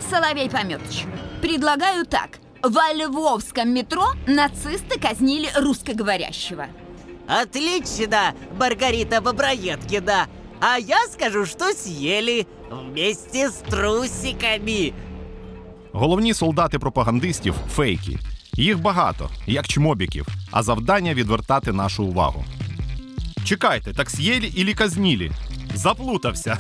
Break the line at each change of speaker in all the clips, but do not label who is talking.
Соловей Пометыч, предлагаю так. Во львовском метро нацисты казнили русскоговорящего.
Отлично, Маргарита Боброедкина. А я скажу, что съели вместе с трусиками.
Головні солдати пропагандистів – фейки. Їх багато, як чмобіків, а завдання – відвертати нашу увагу. Чекайте, так съели или казнили? Заплутався.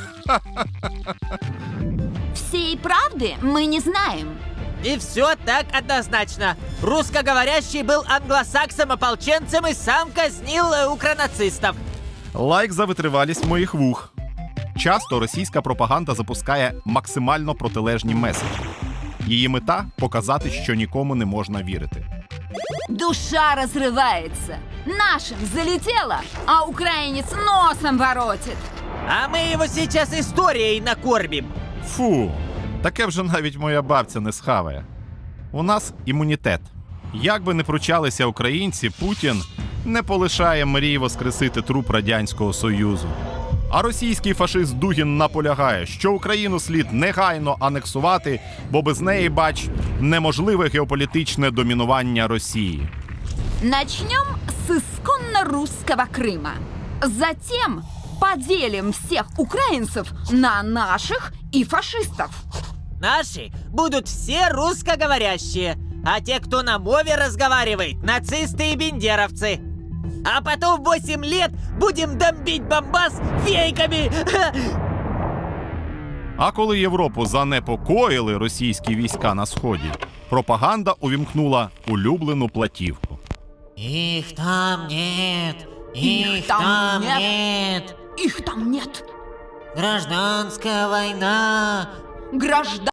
Всей правды мы не знаем.
И все так однозначно. Русскоговорящий был англосаксом-ополченцем и сам казнил укронацистов.
Лайк за витривалість моїх вух. Часто російська пропаганда запускає максимально протилежні меседжі. Її мета – показати, що нікому не можна вірити.
Душа разрывается. Нашим залетело, а украинец носом воротит.
А мы его сейчас историей накормим.
Фу, таке вже навіть моя бабця не схаває. У нас імунітет. Як би не пручалися українці, Путін не полишає мрій воскресити труп Радянського Союзу. А російський фашист Дугін наполягає, що Україну слід негайно анексувати, бо без неї, бач, неможливе геополітичне домінування Росії.
Начнем с исконно русского Крыма. Затем поделим всех украинцев на наших и фашистов.
Наши будут все русскоговорящие, а те, кто на мове разговаривает, нацисты и бендеровцы. А потом 8 лет будем бомбить Донбасс фейками.
А коли Європу занепокоїли російські війська на Сході, пропаганда увімкнула улюблену платівку.
Их там нет,
Их там нет.
нет.
Их там нет.
Гражданская война.
Граждан...